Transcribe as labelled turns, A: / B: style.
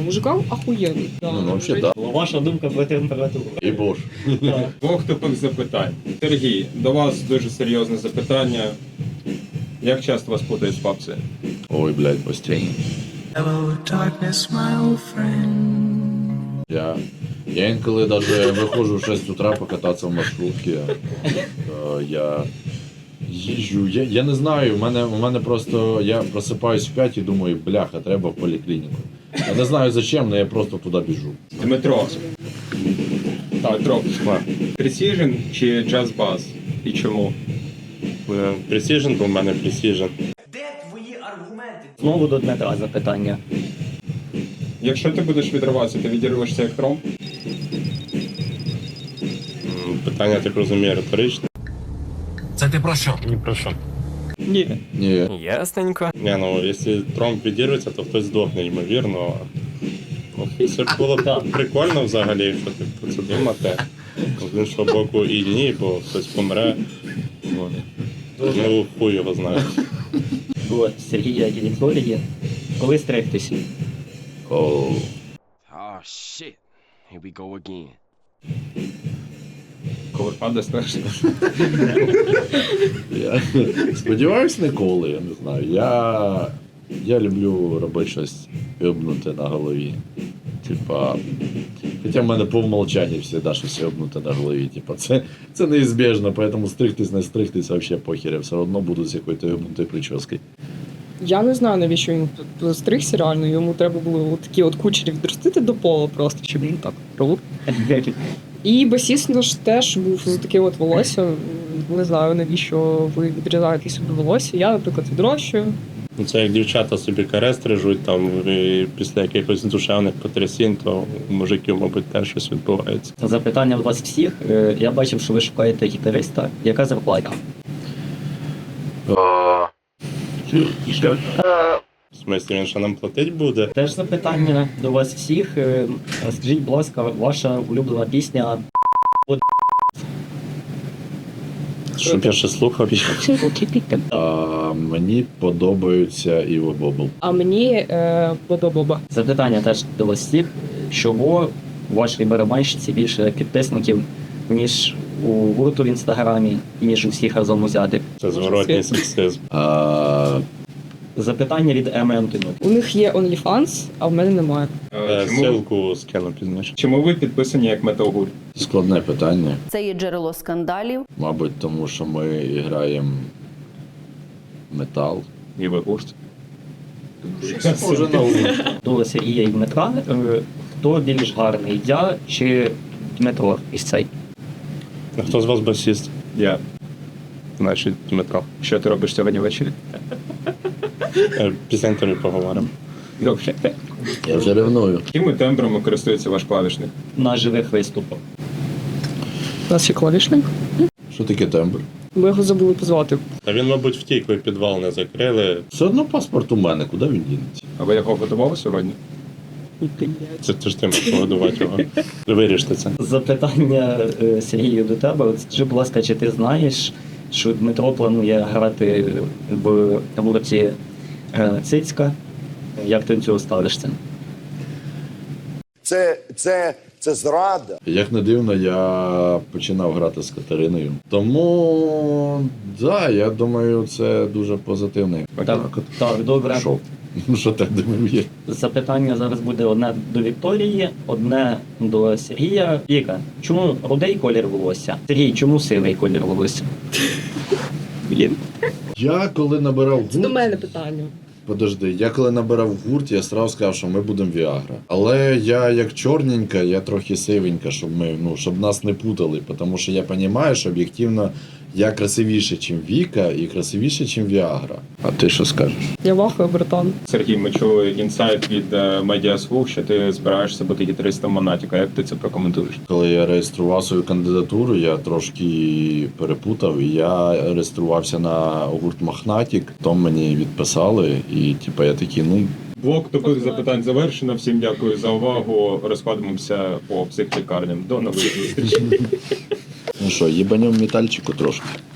A: чесно, мужикам ахуєнно. Да.
B: Ну, взагалі, так.
C: Ваша думка про температуру.
B: І бож.
D: Двох тупих запитань. Сергій, до вас дуже серйозне запитання. Як часто вас путають з бабцею?
B: Ой, блядь, постійно.
E: Hello, darkness, my old friend.
B: Я інколи навіть виходжу в 6 утра покататися в маршрутці. Я їжджу, я не знаю, у мене просто, я просипаюсь в 5 і думаю, бляха, треба в поліклініку. Я не знаю зачем, але я просто туди біжу.
D: Дмитро. Дмитро. Precision чи Jazz Bass? І чому?
F: Precision, бо в мене Precision.
C: Знову до Дмитра запитання.
D: Якщо ти будеш відриватися, ти відірвешся як тромб?
F: Питання, так розумію, риторичне.
E: Це ти про що?
F: Ні про що.
C: Ні.
B: Ні.
G: Ясненько.
F: Ні, ну, якщо тромб відірветься, то хтось здохне, ймовірно. Ну, це було б прикольно взагалі, якщо ти про це думати. З іншого боку і ні, бо хтось помре. Ну, хуй його знає.
C: До Сергія і Вікторії. Коли стригтися?
B: Оу.
G: Oh, shit. Here we go again.
D: Коли падає страшно.
B: Я сподіваюсь, ніколи, я не знаю. Я люблю робити щось йобнуте на голові. Типа, хоча в мене по умолчанню завжди щось йобнуте на голові. Типа, це неізбіжно, тому стригтись, не стригтись, взагалі похер. Я все одно буду з якоюсь йобнутою прическою.
A: Я не знаю, навіщо він тут стригся реально, йому треба було такі от кучері відростити до пола просто, щоб він так робив. І басіст наш теж був з таке от волосся. Не знаю, навіщо ви відрізаєте собі волосся. Я, наприклад, відрощую.
F: Ну, це як дівчата собі каре стрижуть, там, і після якихось душевних потрясінь, то у мужиків, мабуть, теж щось відбувається.
C: Запитання у вас всіх. Я бачив, що ви шукаєте гітариста. Яка зарплата?
F: В смислі, він що нам платить буде?
C: Теж запитання до вас всіх. Скажіть, будь ласка, ваша улюблена пісня.
F: Щоб я ще слухав їх.
B: Мені подобаються Іво Бобл.
A: А мені подобаба.
C: Запитання теж до вас всіх. Чого у вашій барабанщиці більше підписників, ніж у гурту в інстаграмі, ніж у всіх разом узятих?
F: Це зворотній сексизм.
C: Запитання від МН.
A: У них є OnlyFans, а в мене немає.
F: Ссылку скину пізніше.
D: Чому ви підписані як метал-гурт?
B: Складне питання.
H: Це є джерело скандалів.
B: Мабуть, тому що ми граємо метал.
D: І ви гурт.
B: Може, на вулиці.
C: До Сергія і Дмитра. Хто більш гарний, я чи Дмитро із цей?
F: А хто з вас басіст?
D: Я.
F: Значить, Дмитро.
D: Що ти робиш сьогодні ввечері?
F: Після інтерв'ю поговоримо.
D: Добре.
B: Я вже ревную.
D: Якими тембрами користується ваш клавішник?
C: На живих виступах.
A: У нас є клавішник.
B: Що таке тембр?
A: Ми його забули позвати.
F: Та він, мабуть, втік, ви підвал не закрили.
B: Все одно паспорт у мене, куди він дінеться?
D: А ви його готували сьогодні?
F: Це ж ти можеш погодувати його. Виріште це.
C: Запитання Сергію до тебе. От скажи, будь ласка, чи ти знаєш, що Дмитро планує грати в гурті Цицька? Як ти до цього ставишся?
I: Це зрада.
B: Як не дивно, я починав грати з Катериною. Тому, да, я думаю, це дуже позитивний.
C: Так, добре.
B: Шоу. Ну, що так думаю?
C: Запитання зараз буде одне до Вікторії, одне до Сергія. Віка, чому рудий колір волосся? Сергій, чому сивий колір волосся? Блін.
B: Я коли набирав
A: Це до
B: гурт...
A: мене питання.
B: Подожди, я коли набирав гурт, я сразу сказав, що ми будемо Віагра. Але я як чорненька, я трохи сивенька, щоб нас не путали. Тому що я розумію, що об'єктивно я красивіше, ніж Віка, і красивіше, ніж Віагра. А ти що скажеш?
A: Я вахую, братан.
D: Сергій, ми чули інсайт від Медіаслуг, що ти збираєшся бути гітаристом Монатіка. Як ти це прокоментуєш?
B: Коли я реєстрував свою кандидатуру, я трошки перепутав, і я реєструвався на гурт Мохнатік, то мені відписали, і я такий,
D: Блок тупих запитань завершено. Всім дякую за увагу. Розходимося по психлікарням. До нових зустрічей.
B: ну що, їбанем метальчику трошки.